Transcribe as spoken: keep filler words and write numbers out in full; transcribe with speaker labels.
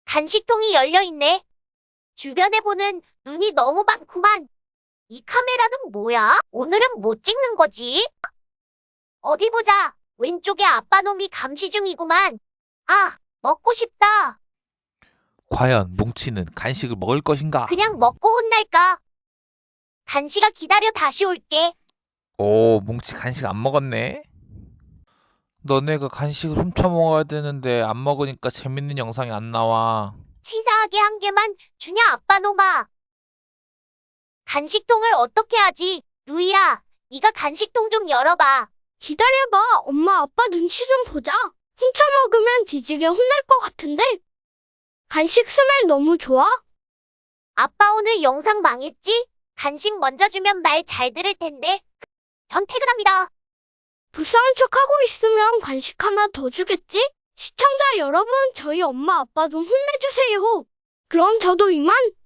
Speaker 1: 간식통이 열려있네. 주변에 보는 눈이 너무 많구만. 이 카메라는 뭐야? 오늘은 뭐 찍는 거지? 어디 보자. 왼쪽에 아빠 놈이 감시 중이구만. 아, 먹고 싶다.
Speaker 2: 과연 뭉치는 간식을 먹을 것인가?
Speaker 1: 그냥 먹고 혼날까? 간식아 기다려 다시 올게.
Speaker 2: 오, 뭉치 간식 안 먹었네? 너네가 간식을 훔쳐 먹어야 되는데 안 먹으니까 재밌는 영상이 안 나와.
Speaker 1: 치사하게 한 개만 주냐 아빠 놈아. 간식통을 어떻게 하지? 루이야, 네가 간식통 좀 열어봐.
Speaker 3: 기다려봐. 엄마, 아빠 눈치 좀 보자. 훔쳐 먹으면 뒤지게 혼날 것 같은데. 간식 스멜 너무 좋아.
Speaker 1: 아빠 오늘 영상 망했지? 간식 먼저 주면 말 잘 들을 텐데. 전 퇴근합니다.
Speaker 3: 불쌍한 척하고 있으면 간식 하나 더 주겠지? 시청자 여러분, 저희 엄마 아빠 좀 혼내주세요. 그럼 저도 이만.